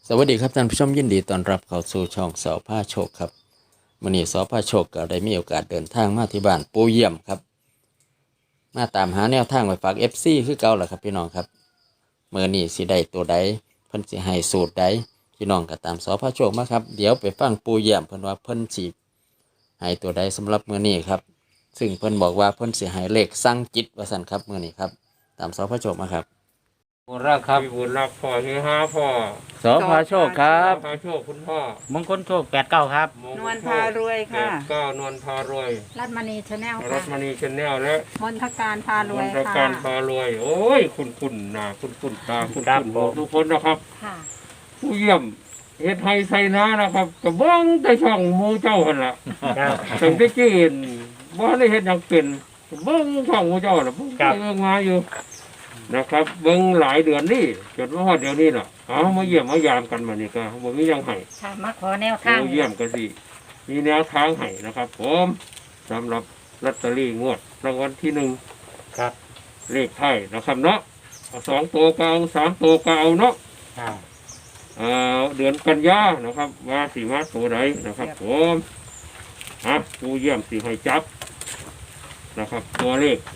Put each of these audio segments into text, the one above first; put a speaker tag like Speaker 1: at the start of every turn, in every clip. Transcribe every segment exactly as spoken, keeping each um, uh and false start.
Speaker 1: สวัสดีครับท่านผู้ชมยินดีต้อนรับเข้าสู่ช่องสอพาโชคครับมื้อนี้สอพาโชคก็ได้มีโอกาสเดินทางมาที่บ้านปู่เยี่ยมครับมาตามหาแนวทางไว้ฝาก เอฟ ซี คือเก่าแหละครับพี่น้องครับมื้อนี้สิได้ตัวใดเพิ่นสิให้สูตรใดพี่น้องก็ตามสอพาโชคมาครับเดี๋ยวไปฟังปู่เยี่ยมเพิ่นว่าเพิ่นสิให้ตัวใดสำหรับมื้อนี้ครับซึ่งเพิ่นบอกว่าเพิ่นสิให้เลขสั่งจิตว่าซั่นครับมื้อนี้ครับตามสอพาโชคมาครับบุญรักครับ
Speaker 2: พี่บุญรักพ่อเฮฮาพ่อ
Speaker 1: สอพาโชคครับ
Speaker 2: พาโชคคุณพ่อ
Speaker 3: มงคลโชคแปดเก้าครับ
Speaker 2: มง
Speaker 4: นวลพารวยค่ะ
Speaker 2: แปดเก้านวลพารวย
Speaker 4: รัตมณีชาแนล
Speaker 2: รั
Speaker 4: ค่ะ
Speaker 2: ตมณีชาแนลและ
Speaker 4: มนทการพารวย
Speaker 2: มนต
Speaker 4: ค่ะ
Speaker 2: การพารวย โอ้ย คุณคุณนะคุณคุณตาคุณ
Speaker 3: ครั
Speaker 2: คุ
Speaker 3: บ
Speaker 2: ณ
Speaker 3: ผม
Speaker 2: ทุกคนนะครับ
Speaker 4: ค่ะ
Speaker 2: ผู้เยี่ยมเฮ็ดไฮไซนานะครับกระบ้องแต่ช่องหมูเจ้าหันละ
Speaker 3: ครับ
Speaker 2: ถึงได้กินบ่ได้เฮ็ดหยังเป็นเบิ้งช่องหมูเจ้าน่ะเบิ่งไปเบิ่งมาอยู่นะครับเบิ้งหลายเดือนนี่จนว่าฮอดเดี๋ยวนี้ล่ะเอามาเยี่ยมมายามกันมานี่ก็บ่มีหยังให้
Speaker 4: ค่ะมาขอแนวทาง
Speaker 2: ผู้เยี่ยมกันสิมีแนวทางให้นะครับผมสำหรับลอตเตอรี่งวดรางวัลที่หนึ่ง
Speaker 3: ครับ
Speaker 2: เลขไทยนะครับเนาะเอาสองตัวก็เอาสามตัวก็เอาเนาะ
Speaker 3: ครับ
Speaker 2: เอ่อเดือนกันยานะครับว่าสีมาตัวใดนะครับผมฮะผู้เยี่ยมสีให้จับนะครับ ตัวเลข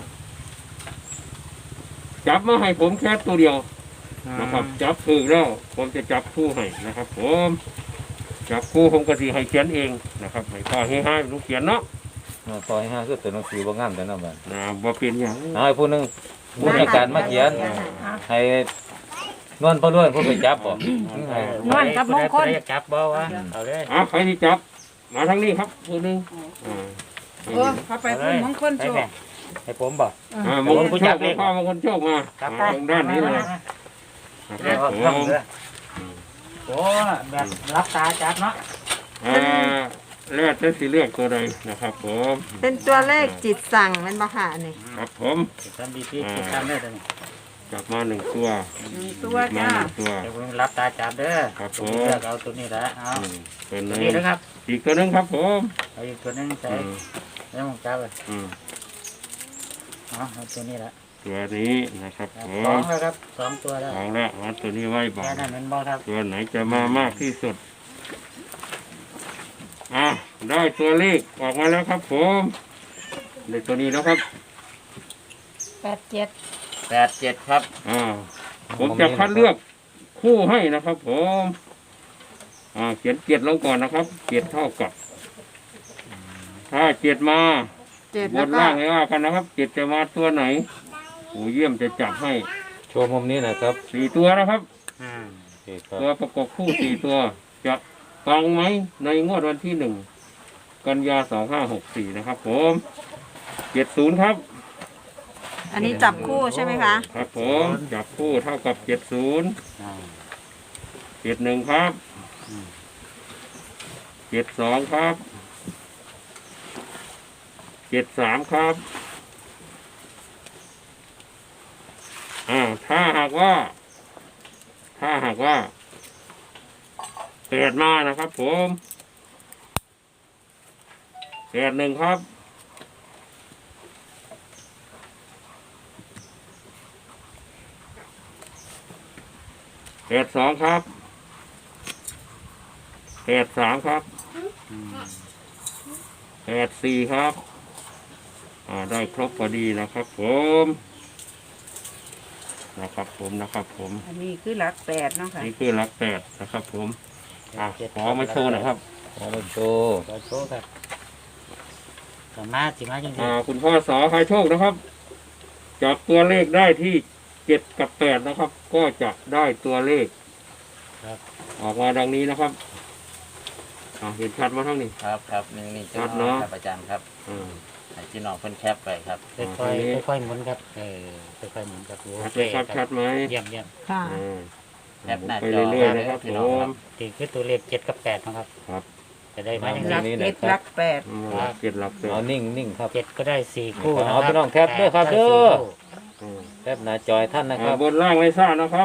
Speaker 2: จับมาให้ผมแค่ตัวเดียวนะครับ จับคือแล้วผมจะจับคู่ให้นะครับ ผมจับคู่ผมก็สีให้เขียนเองนะครับให้พ่อให้ให้ลูกเขียนเนาะ
Speaker 5: ซอยห้าคือตัวหนังสือบ่งามแต่น้ำมัน
Speaker 2: นะบ่เป็นอย่าง
Speaker 5: เอาให้ผู้หนึงผู้ในการมาเขียน ให้นวลพ่อล้วนผู้ไปจับบ่ให้
Speaker 4: นวลกับมงคล
Speaker 3: อยากจับบ่วะเอาเลย
Speaker 2: อ่ะใครที่จับ มาทางนี้ครับผู้หนึ่งอ่า
Speaker 4: โอ้เขาไปพูดมงคล
Speaker 3: ให้
Speaker 4: โช
Speaker 3: แม่
Speaker 4: ค
Speaker 3: ให้ผมบ่
Speaker 2: อ่ามงคลโชคมาพ่อมงคลโชคมา
Speaker 3: ครับ
Speaker 2: อ่าทางด้านนี้เลย
Speaker 3: เ
Speaker 2: นะครับผม
Speaker 3: โอ้แบบรับตาจับเนาะ
Speaker 2: อ่าแล้วจะสิเลือกตัวใดนะครับผม
Speaker 4: เป็นตัวเลขจิตสั่งเป็นบาค่ะนี่
Speaker 2: ครับผม
Speaker 3: ทำดีๆติดตามได้เลย
Speaker 2: จับมาหนึ่งตัว
Speaker 4: หนึ่งตัว
Speaker 2: มา
Speaker 4: จ้า
Speaker 2: หนึ่งตัว
Speaker 3: เดี๋ยวผมรับตาจับเด้อ
Speaker 2: ครับผม
Speaker 3: เลือกเอาตัวนี้ละเอา
Speaker 2: อืมตัวห
Speaker 3: ตัว
Speaker 2: นึง
Speaker 3: นี้นะครับ
Speaker 2: อีกตัวหนึงครับผม
Speaker 3: เอาอีกตัวนึงใส่
Speaker 2: อืม
Speaker 3: แล้วผมจับเลย
Speaker 2: อืม
Speaker 3: เอาเอาตัวนี้ละ
Speaker 2: ตัวนี้นะครับ
Speaker 3: ครับ
Speaker 2: ผ
Speaker 3: สอ
Speaker 2: ม
Speaker 3: งแล้วครับสองตัวแล้ว
Speaker 2: เอาละเอาตัวนี้ไว้บ่า
Speaker 3: แค่นั้นเป็นบ่ครับ
Speaker 2: ตัวไหนจะมามากที่สุดอ่ะได้ตัวเลขออกมาแล้วครับผมได้ตัวนี้แล้วครับ
Speaker 4: แปดเจ็ด
Speaker 3: แปดเจ็ดครับ
Speaker 2: อ่าผมจะคัดเลือกคู่ให้นะครับ ผมอ่าเขียนเกียรติลงก่อนนะครับเกียรติเท่ากับ ถ้าเกียรติมา
Speaker 4: เจ็ด
Speaker 2: บ
Speaker 4: แล้ว
Speaker 2: น
Speaker 4: ก็
Speaker 2: ล่างให้ว่ากันนะครับเกียรติจะมาตัวไหนผู้เยี่ยมจะจับให้
Speaker 5: โชว์มุมนี้นะครับ
Speaker 2: สี่ตัวนะครับ
Speaker 3: อืม
Speaker 5: โอเคครับ
Speaker 2: ตัวประกบคู่สี่ตัว จะฟังไหมในงวดวันที่หนึ่งกันยาสองห้าหกสี่นะครับ ผมเจ็ดศูนย์ครับ
Speaker 4: อันนี้จับคู่ใช่ไหมคะ
Speaker 2: ครับผมจับคู่เท่ากับเจ็ดศูนย์
Speaker 3: อ่า
Speaker 2: เจ็ดหนึ่งครับเจ็ดสองครับเจ็ดสามครับอ่าถ้าหากว่า ถ้าหากว่าแปดมานะครับ ผมแปดหนึ่งครับแปดสองครับแปดสามครับแปดสี่ครับ อ่าได้ครบพอดีนะครับ ผมนะครับ ผมนะครับ ผม
Speaker 4: อันนี้คือหลักแปดเนาะค่ะ
Speaker 2: นี่คือหลักแปดนะครับ ผมอ่าขอมาโชว์หน่อยครับ
Speaker 5: ขอมาโชว์
Speaker 3: ขอโชว์ครับสามารถสิมาจริง
Speaker 2: อ่าคุณพ่อสอใครโชคนะครับจับตัวเลขได้ที่เจ็ดกับแปดนะครับ ก็จะได้ตัวเลข
Speaker 3: ๆครับ
Speaker 2: ออกมาดังนี้นะครับอ่าเห็นชัดมาทั้งนี้
Speaker 1: ครับครับนี่นี่
Speaker 2: ครับเนาะ
Speaker 1: ครับอาจารย์ครับ
Speaker 2: อ่า
Speaker 1: ให้พี่น้องเพิ่นแคปไปครับ
Speaker 3: ค่อยๆค่อยๆหมุนครับเออค่อยๆหมุนครับโอ
Speaker 2: ชัด
Speaker 3: เค
Speaker 2: ไหมครับชัดไหม
Speaker 3: เยี่ยมเยี่ยม
Speaker 4: ค่ะ
Speaker 2: อ่า
Speaker 1: แคปหน้า
Speaker 2: ไป
Speaker 1: จอ
Speaker 2: เรื่อยๆนะครับ
Speaker 1: พี่
Speaker 2: ผ
Speaker 1: น้องค
Speaker 2: ม
Speaker 1: รับ
Speaker 3: ตีคือตัวเลขเจ็ดกับแปดนะครับ
Speaker 2: ครับ
Speaker 3: จะได้มาอย่าง
Speaker 4: หลั
Speaker 3: นี้
Speaker 4: กเจ็ดหลักแปด
Speaker 2: อืมหลักเจ็ดหลักแป
Speaker 5: เอา
Speaker 2: ด
Speaker 5: นิ่งนิ่งครับ
Speaker 3: เจ็ดก็ได้สี่คู่
Speaker 5: เอา
Speaker 3: นะ
Speaker 5: พี่น้องแคปด้วยครับเด้อ
Speaker 2: อืม
Speaker 5: แคปหน้าจอยท่านนะค
Speaker 2: อ่า
Speaker 5: รับ
Speaker 2: บนล่างไม่ทราบนะครับ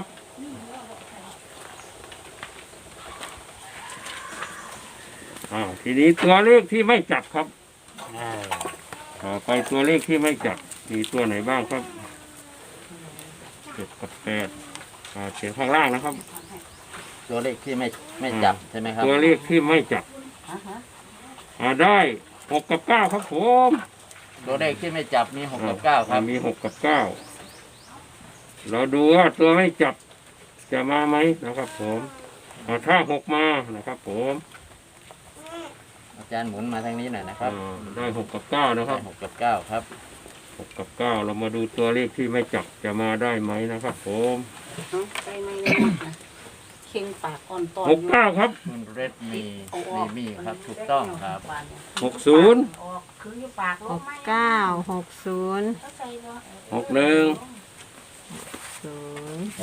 Speaker 2: อ่าทีนี้ตัวเลขที่ไม่จับครับ
Speaker 3: อ่า
Speaker 2: ต่อไปตัวเลขที่ไม่จับมีตัวไหนบ้างครับเจ็ดกับแปดอ่าเขียนข้างล่างนะครับ
Speaker 1: ตัวเลขที่ไม่ไม่จับใช่ไหมครับ
Speaker 2: ตัวเลขที่ไม่จับอ่าได้หกกับเก้าครับผม
Speaker 1: ตัวเลขที่ไม่จับมีหกกับเก้าครับ
Speaker 2: มีหกกับเก้าเราดูว่าตัวไม่จับจะมาไหมนะครับผมอ่าถ้าหกมานะครับผม
Speaker 1: อาจารย์หมุนมาทางนี้หน่อยนะครับ
Speaker 2: อ่าได้หกกับเก้านะครับ
Speaker 1: หกกับเก้าครับ
Speaker 2: หกกับเก้าเรามาดูตัวเลขที่ไม่จับจะมาได้ไหมนะครับผม
Speaker 6: ไปไม่ได้หมดนะเข่งปากอ่อนตอน
Speaker 2: หกเก้าครับ
Speaker 1: คุณเรดมีมีมีครับถูกต้องครับ
Speaker 2: หกศูนย์
Speaker 6: ออกคืออยู่ปากล
Speaker 4: ห
Speaker 6: ง
Speaker 4: ก
Speaker 6: ไม่
Speaker 4: เก้าหกศูนย์
Speaker 6: ใส่บ่
Speaker 2: หกหนึ่ง
Speaker 4: ศูนย์
Speaker 5: โอ้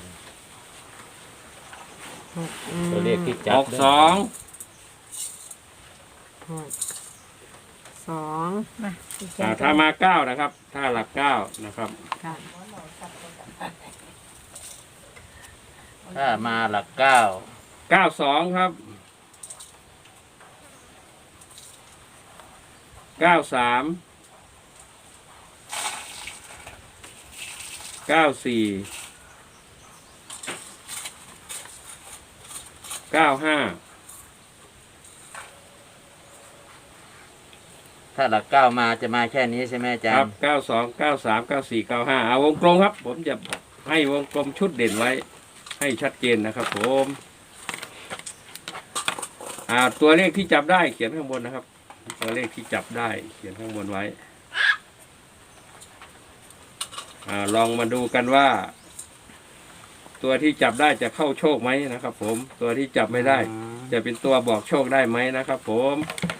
Speaker 4: หกอืม
Speaker 5: ตัวเลขที่จั
Speaker 2: ห
Speaker 5: บ
Speaker 2: กสอง
Speaker 4: หกสอง
Speaker 2: อ่าถ้ามาเก้านะครับ ถ้าหลักเก้านะครับ
Speaker 4: ค่ะ
Speaker 1: ถ้ามาหลักเก้า
Speaker 2: เก้าสองครับเก้าสามเก้าสี่เก้าห้า
Speaker 1: ถ้าหลักเก้ามาจะมาแค่นี้ใช่ไหมอาจา
Speaker 2: ค
Speaker 1: ร
Speaker 2: รับ
Speaker 1: ย์
Speaker 2: เก้าสองเก้าสามเก้าสี่เก้าห้าเอาวงกลมครับ ผมจะให้วงกลมชุดเด่นไว้ ให้ชัดเจนนะครับผมอ่าตัวเลขที่จับได้เขียนข้างบนนะครับ ตัวเลขที่จับได้เขียนข้างบนไว้อ่าลองมาดูกันว่า ตัวที่จับได้จะเข้าโชคไหมนะครับ ผมตัวที่จับไม่ได้ จะเป็นตัวบอกโชคได้ไหมนะครับ ผม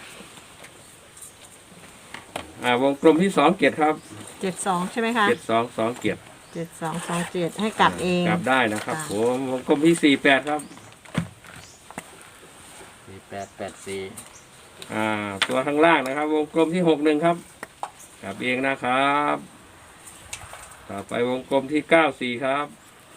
Speaker 2: อ่าวงกลมที่สองเกียรติครับ
Speaker 4: เจ็ดสองใช่ไหมคะ
Speaker 2: เจ็ดสองสองเกียรติ
Speaker 4: เจ็ดสองสองเจ็ดให้กลับเอง
Speaker 2: กลับได้นะครับ
Speaker 4: ค่ะ
Speaker 2: ผมวงกลมที่สี่แปดครับ
Speaker 1: สี่แปดแปดสี่
Speaker 2: อ่าตัวข้างล่างนะครับ วงกลมที่หกหนึ่งครับกลับเองนะครับ ต่อไปวงกลมที่เก้าสี่ครับ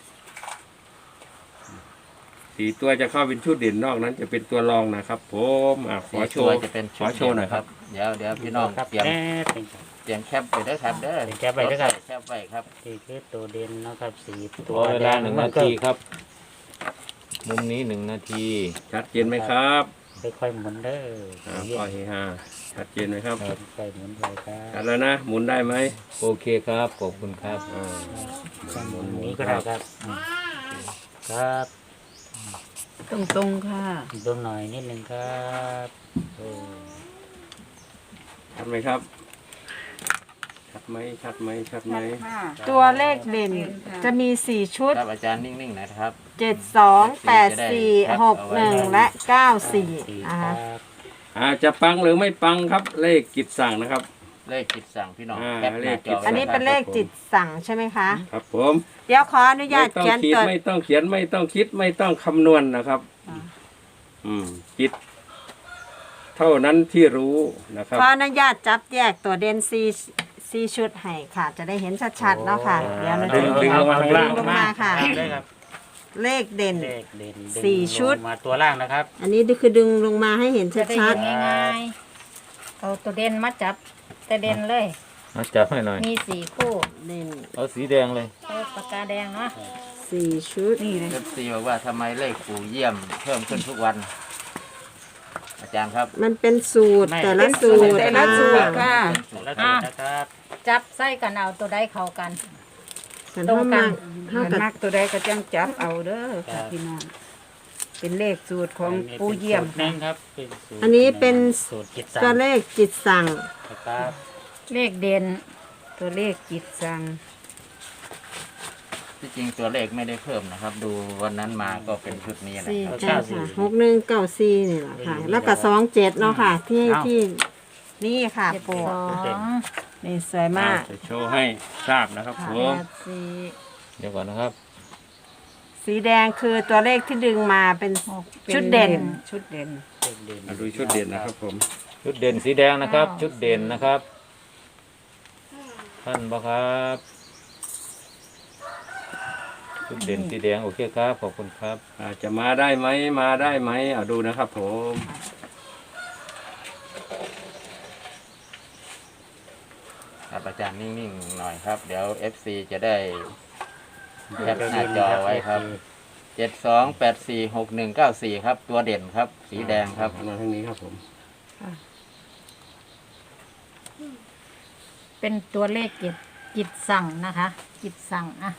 Speaker 2: สี่ตัวจะเข้าเป็นชุดเด่นนอกนั้นจะเป็นตัวรองนะครับ ผมอ่าขอ
Speaker 1: สี่
Speaker 2: โช
Speaker 1: ตัว
Speaker 2: ว์
Speaker 1: จะเป็น
Speaker 2: ขอโชว์หน่อยครับ
Speaker 1: เดี๋ยวเดี๋ยวพี่น้อง
Speaker 3: ครับ
Speaker 1: เตรียม
Speaker 3: แน่เป็น
Speaker 1: เตรียมแคปไปเด้อครับเด้อ
Speaker 3: เตรียมแคปไว้เด้อครับ
Speaker 1: แคปไว้ครับ
Speaker 3: สี่คือตัวเด่นนะครับสี่
Speaker 5: ตัวเวลาหนึ่งนาทีครับ มุมนี้หนึ่งนาที
Speaker 2: ชัดเจนไหมครับ
Speaker 3: ค่อยๆหมุนเด้อ
Speaker 2: อ่าก็เฮฮาชัดเจนไหมครับ
Speaker 3: ค่อยๆหมุนไปครั
Speaker 2: ชัด
Speaker 3: บ
Speaker 2: แล้วนะหมุนได้ไหม
Speaker 5: โอเคครับ ขอบคุณครับ
Speaker 2: อ่า
Speaker 3: หมุนนี้ก็ได้ครับอืมครับ
Speaker 4: ตรงตรงๆค่ะ
Speaker 3: ดูหน่อยนิดนึงครับเออ
Speaker 2: ชัดไหมครับ ชัดไหมชัดไหมชัดไหม
Speaker 4: ตัวเลขเด่นจะมีสี่ชุด
Speaker 1: ครับอาจารย์นิ่งๆนะครับ
Speaker 4: เจ็ดสองแปดสี่หกหนึ่งและเก้าสี่
Speaker 3: สี่
Speaker 4: นะ
Speaker 3: ครั
Speaker 4: คะ
Speaker 3: บ
Speaker 2: อาจจะปังหรือไม่ปังครับ เลขกิจสั่งนะครับ
Speaker 1: เลขจิตสั่งพี่น้อง
Speaker 2: อ่า
Speaker 1: แคปห
Speaker 2: เล
Speaker 1: น้า
Speaker 2: ข
Speaker 1: จ
Speaker 2: จิ
Speaker 1: อ
Speaker 2: ต
Speaker 1: ไว้
Speaker 4: อันนี้เป็นเลขจิตสั่งใช่ไหมคะ
Speaker 2: ครับผม
Speaker 4: เดี๋ยวขออนุญา
Speaker 2: ไม่
Speaker 4: ต
Speaker 2: ต้อง
Speaker 4: เขียน
Speaker 2: คิด
Speaker 4: ตัว
Speaker 2: ไม่ต้องเขียนไม่ต้องคิดไม่ต้องคำนวณนะครับ
Speaker 4: อ่า
Speaker 2: อืมจิต เท่านั้นที่รู้นะครับ
Speaker 4: ขออนุญาตจับแยกตัวเด่นซีซีชุดให้ค่ะ จะได้เห็นชัดๆเนาะค่ะ เดี๋ยวเรา
Speaker 2: ดึ
Speaker 4: จะ
Speaker 2: งดึงลงมาข้างล่าง
Speaker 4: ลงมาค่ะ
Speaker 3: ได้ครับ
Speaker 4: เลขเด่น
Speaker 3: เลขเด่นดึง
Speaker 4: สี่ชุด
Speaker 3: ลงมาตัวล่างนะครับ
Speaker 4: อันนี้คือดึงลงมาให้เห็น
Speaker 6: จะได้
Speaker 4: ชั
Speaker 6: เห็
Speaker 4: ด
Speaker 6: นง่ายๆเอาตัวเด่นมาจับแต่เด่นเลย
Speaker 5: มาจับให้หน่อย
Speaker 6: มีสี่คู่
Speaker 4: ๆเด่น
Speaker 5: เอาสีแดงเลย
Speaker 6: เอาปากกาแดงเนาะ
Speaker 4: สี่ชุดนี่เลย
Speaker 1: เอฟซีบอกว่าทำไมเลขปู่เยี่ยมเพิ่มขึ้นทุกวัน อาจารย์ครับ
Speaker 4: มันเป็นสูตร
Speaker 3: ไม่
Speaker 4: แต่ละสูตร
Speaker 6: แต่ละสูตรค่ะ
Speaker 3: แล้วตัวนะครับ
Speaker 6: จับใส่กันเอาตัวใดเข้ากัน
Speaker 4: กันเท่ามาเท่ากับ
Speaker 7: นักตัวใดก็จังจับเอาเด้อค่ะพี่น้อง เป็นเลขสูตรของปูเยี่ยม
Speaker 3: สูตรหนึ่งครับเป็นสูตร
Speaker 4: อันนี้เป็น
Speaker 3: สูตรกิจสั่
Speaker 4: ตัว
Speaker 3: ง
Speaker 4: เลขจิตสั่ง
Speaker 3: นะครับ
Speaker 6: เลขเด่น
Speaker 7: ตัวเลขจิตสั่ง
Speaker 1: ที่จริงตัวเลขไม่ได้เพิ่มนะครับ ดูวันนั้นมาก็เป็นชุดนี้นะ
Speaker 4: สี่
Speaker 1: ครับ
Speaker 4: ใช่ค่ะหกหนึ่งเก้าสี่นี่แหละค่ะ แล้วก็สองเจ็ดเนาะค่ะ ที่ที่นี่ค่ะ
Speaker 6: เจ็ด
Speaker 4: ปู
Speaker 6: สอง
Speaker 4: นี่สวยมาก
Speaker 2: จะโชว์ให้ทราบนะครับผ
Speaker 4: แป
Speaker 2: ม
Speaker 4: ดสี่
Speaker 5: เดี๋ยวก่อนนะครับ
Speaker 4: สีแดงคือตัวเลขที่ดึงมาเป็น
Speaker 7: ป็
Speaker 4: ชุดเด่น
Speaker 7: ชุดเด่น
Speaker 3: เลขเด่น
Speaker 2: มาดูชุดเด่นนะครับผม
Speaker 5: ชุดเด่นสีแดงนะครับ ชุดเด่นนะครับ ท่านบ่ครับ ชุดเด่นสีแดงโอเคครับ ขอบคุณครับ
Speaker 2: อาจจะมาได้ไหมมาได้ไหมเอาดูนะครับผม
Speaker 1: ครับอาจารย์นิ่งๆหน่อยครับ เดี๋ยว เอฟซีจะได้แคปหน้าจอไว้ครับเจ็ดสองแปดสี่หกหนึ่งเก้าสี่ครับ ตัวเด่นครับ สีแดงครับ
Speaker 2: มาทางนี้ครับผม
Speaker 6: เป็นตัวเลขกิจกิจสั่งนะคะ กิจสั่งอ่ะ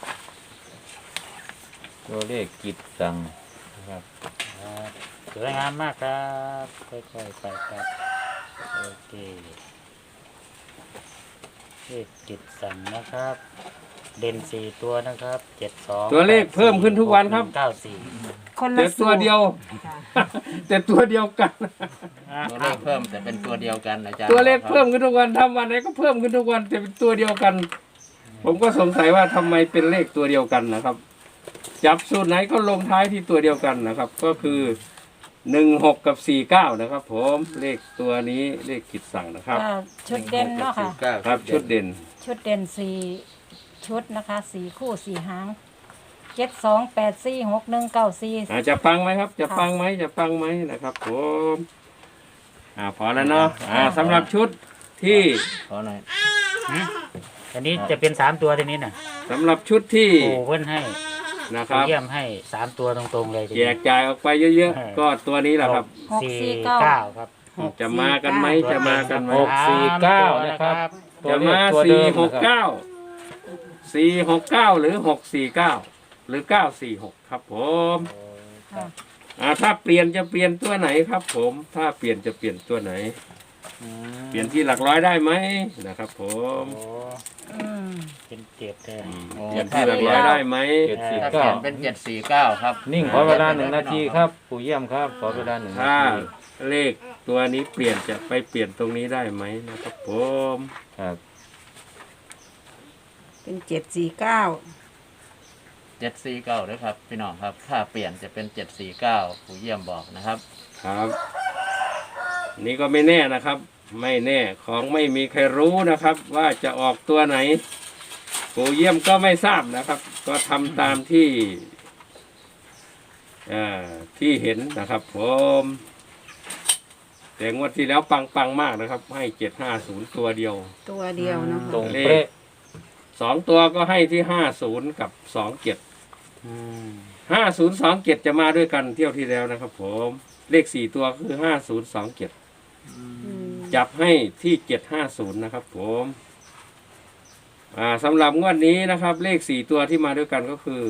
Speaker 5: ตัวเลขกิจสั่งนะครับ
Speaker 3: ครับสวยงามมากครับค่อยๆไปครับโอเคเลขกิจสั่งนะครับ เด่นสี่ตัวนะครับเจ็ดสอง
Speaker 2: ตัวเลขเพิ่มขึ้นทุกวันครับ
Speaker 3: เก้าสี่
Speaker 7: คน
Speaker 2: แต่
Speaker 7: ละ
Speaker 2: ตัวเดียว แต่ตัวเดียวกัน
Speaker 1: ตัวเลขเพิ่มแต่เป็นตัวเดียวกันอาจารย์
Speaker 2: ตัวเลขเพิ่มขึ้นทุกวันทำวันไหนก็เพิ่มขึ้นทุกวันแต่เป็นตัวเดียวกัน ผมก็สงสัยว่าทำไมเป็นเลขตัวเดียวกันนะครับ จับสูตรไหนก็ลงท้ายที่ตัวเดียวกันนะครับ ก็คือหนึ่งหกกับสี่เก้านะครับ ผมเลขตัวนี้เลขกิจสั่งนะครับ
Speaker 6: ก็ชุดเด่นเนาะค่ะ
Speaker 2: ครับชุดเด่น
Speaker 6: ชุดเด่นสี่ชุดนะคะสี่คู่สี่หางเจ็ดสองแปดสี่หกหนึ่งเก้าสี่
Speaker 2: อาจจะฟังไหมครับ จะฟังไหมจะฟังไหมนะครับ ผมอ่าพอแล้วเนาะอ่าสำหรับชุดที่
Speaker 1: ขอหน่อย
Speaker 3: อันนี้จะเป็นสามตัวทีนี้น่ะ
Speaker 2: สำหรับชุดที่
Speaker 3: โอ้เพิ่นให้
Speaker 2: นะครับ
Speaker 3: เยี่ยมให้สามตัวตรงๆเลยที
Speaker 2: แจ
Speaker 3: นี้
Speaker 2: กจ่ายออกไปเยอะๆก็ตัวนี้แหละครับ
Speaker 6: หก
Speaker 3: สี่
Speaker 6: สี่เก้า
Speaker 3: เก้าครับ
Speaker 2: จะมากันไหมจะมากันไหม
Speaker 5: หกสี่เก้านะครับ
Speaker 2: จะมาสี่หกเก้าสี่หกเก้าหรือหกสี่เก้าหรือเก้าสี่หกครับผม
Speaker 6: ค่ะ
Speaker 2: อ่าถ้าเปลี่ยนจะเปลี่ยนตัวไหนครับ ผมถ้าเปลี่ยนจะเปลี่ยนตัวไหน เปลี่ยนที่หลักร้อยได้ไหมนะครับผม
Speaker 3: โอ้
Speaker 6: อืม
Speaker 3: เป็นเจ็ดเลย
Speaker 2: อืมเปลี่ยนที่หลักร้อยได้ไหม
Speaker 5: เจ็ดสี่
Speaker 1: ถ้าเป
Speaker 5: เก้า
Speaker 1: ลี่ยนเป็นเจ็ดสี่เก้าครับ
Speaker 5: นิ่งขอเวลาหนึ่งนาทีครับปู่เยี่ยมครับ ขอเวลาหนึ่งนา
Speaker 2: ถ้า
Speaker 5: ที
Speaker 2: เลขตัวนี้เปลี่ยนจะไปเปลี่ยนตรงนี้ได้ไหมนะครับผม
Speaker 5: ครับ
Speaker 7: เป็นเจ็ดสี่เก้า
Speaker 1: เจ็ดสี่เก้าด้วยครับพี่น้องครับ ถ้าเปลี่ยนจะเป็นเจ็ดสี่เก้าผู้เยี่ยมบอกนะครับ
Speaker 2: ครับ นี่ก็ไม่แน่นะครับ ไม่แน่ของไม่มีใครรู้นะครับ ว่าจะออกตัวไหนปู่เยี่ยมก็ไม่ทราบนะครับ ก็ทำตามที่อ่าที่เห็นนะครับ ผมแต่งวดที่แล้วปังปังๆมากนะครับ ให้เจ็ดห้าศูนย์ตัวเดียว
Speaker 7: ตัวเดียวเนาะ
Speaker 5: ตรง
Speaker 2: เล
Speaker 5: เป๊ะ
Speaker 2: ขสองตัวก็ให้ที่ห้าศูนย์กับสองเจ็ดห้าศูนย์สองเจ็ดจะมาด้วยกันเที่ยวที่แล้วนะครับ ผมเลขสี่ตัวคือห้าศูนย์สองเจ็ด
Speaker 7: อืม
Speaker 2: จับให้ที่เจ็ดห้าศูนย์นะครับ ผมอ่าสำหรับงวดนี้นะครับ เลขสี่ตัวที่มาด้วยกันก็คือ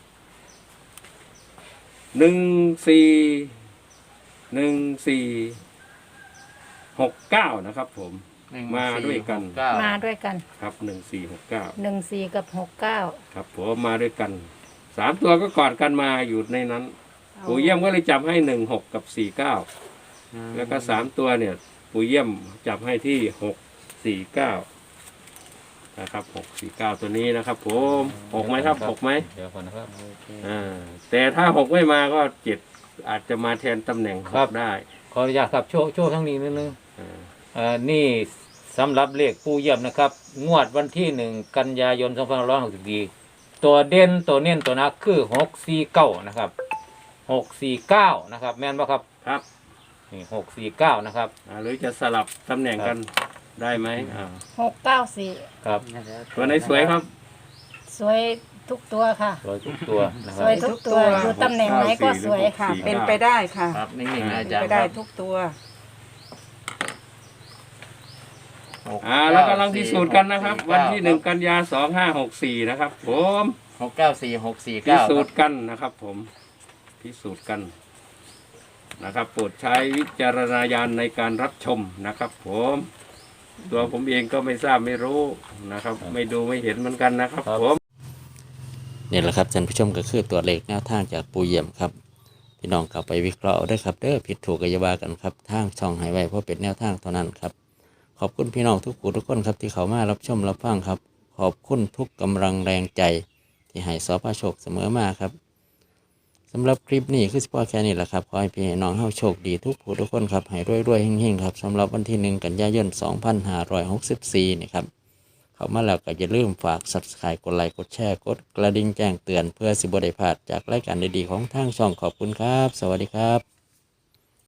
Speaker 2: หนึ่งสี่หนึ่งสี่หกเก้านะครับ ผม
Speaker 1: หนึ่ง
Speaker 2: มาด้วยกัน
Speaker 1: สี่หเก้า
Speaker 6: มาด้วยกัน
Speaker 2: ครับหนึ่งสี่หกเก้า
Speaker 6: หนึ่งสี่กับหกเก้า
Speaker 2: ครับผมมาด้วยกันสามตัวก็กอดกันมาอยู่ในนั้นปู่เยี่ยมก็เลยจับให้หนึ่งหกกับสี่เก้าแล้วก็สามตัวเนี่ย ปู่เยี่ยมจับให้ที่หกสี่เก้านะครับหกสี่เก้าตัวนี้นะครับ ผมหกไหมครับหกไหม
Speaker 5: เดี๋ยวก่อนนะครับ
Speaker 2: อ่าแต่ถ้าหกไม่มาก็เจ็ดอาจจะมาแทนตำแหน่งห
Speaker 5: ครั
Speaker 2: ก
Speaker 5: บ
Speaker 2: ได้
Speaker 5: ขออนุญาตครับโชว์โชว์ทั้งนี้นิดนึง
Speaker 2: อ่า
Speaker 5: อ่านี่สำหรับเลขปู่เยี่ยมนะครับ งวดวันที่หนึ่งกันยายนสองพันห้าร้อยหกสิบสี่ตัวเด่นตัวเน้นตัวนักคือหกสี่เก้านะครับหกสี่เก้านะครับ แม่นปะครับ
Speaker 2: ครับ
Speaker 5: นี่หกสี่เก้านะครับ
Speaker 2: อ่าหรือจะสลับตำแหน่งกันได้ไหมอ่า
Speaker 6: หกเก้าสี่
Speaker 5: ครับ
Speaker 2: ตัวไหนสวยครับ
Speaker 6: สวยทุกตัวค่ะ
Speaker 5: ร้อยทุกตัวนะค
Speaker 6: ส
Speaker 5: รับ
Speaker 6: วยทุกตัวอยู่ตำแหน่งไหนก็สวย
Speaker 7: ค่ะ เป็นไปได้ค่ะ
Speaker 1: ครับนิ่งๆนะอา
Speaker 7: เป็น
Speaker 1: จาร
Speaker 7: ไป
Speaker 1: ย์ค
Speaker 7: ได้
Speaker 1: รับ
Speaker 7: ทุกตัว
Speaker 1: หก
Speaker 2: อ่าแล้วกำลังพิสูจน์กันนะครับ วันที่หนึ่งกันยาสองห้าหกสี่นะครับ ผม
Speaker 1: หกเก้าสี่หกสี่
Speaker 2: พิ
Speaker 1: เก้า
Speaker 2: สูจน์กันนะครับ ผมพิสูจน์กันนะครับโปรดใช้วิจารณญาณในการรับชมนะครับ ผมตัวผมเองก็ไม่ทราบไม่รู้นะครับ ไม่ดูไม่เห็นเหมือนกันนะครับ ผม
Speaker 1: นี่แหละครับท่านผู้ชมก็คือตัวเลขแนวทางจากปูเยี่ยมครับพี่น้องกลับไปวิเคราะห์เอาด้วยครับเด้อผิดถูกก็อย่าว่ากันครับทางช่องให้ไว้เพราะเป็นแนวทางเท่านั้นครับขอบคุณพี่น้องทุกผู้ทุกคนครับที่เขามารับชมรับฟังครับ ขอบคุณทุกกำลังแรงใจที่ให้สพโชคเสมอมาครับสำหรับคลิปนี้คือสปอร์แค่นี้แหละครับขอให้พี่น้องเฮาโชคดีทุกผู้ทุกคนครับให้รวยๆเฮงๆครับสำหรับวันที่หนึ่งกันยายนสองพันห้าร้อยหกสิบสี่นี่ครับเข้ามาแล้วก็อย่าลืมฝาก ซับสไครบ์ กดไลค์กดแชร์กดกระดิ่งแจ้งเตือนเพื่อสิบได้พลาดจากรายการดีๆของทางช่องขอบคุณครับ สวัสดีครับ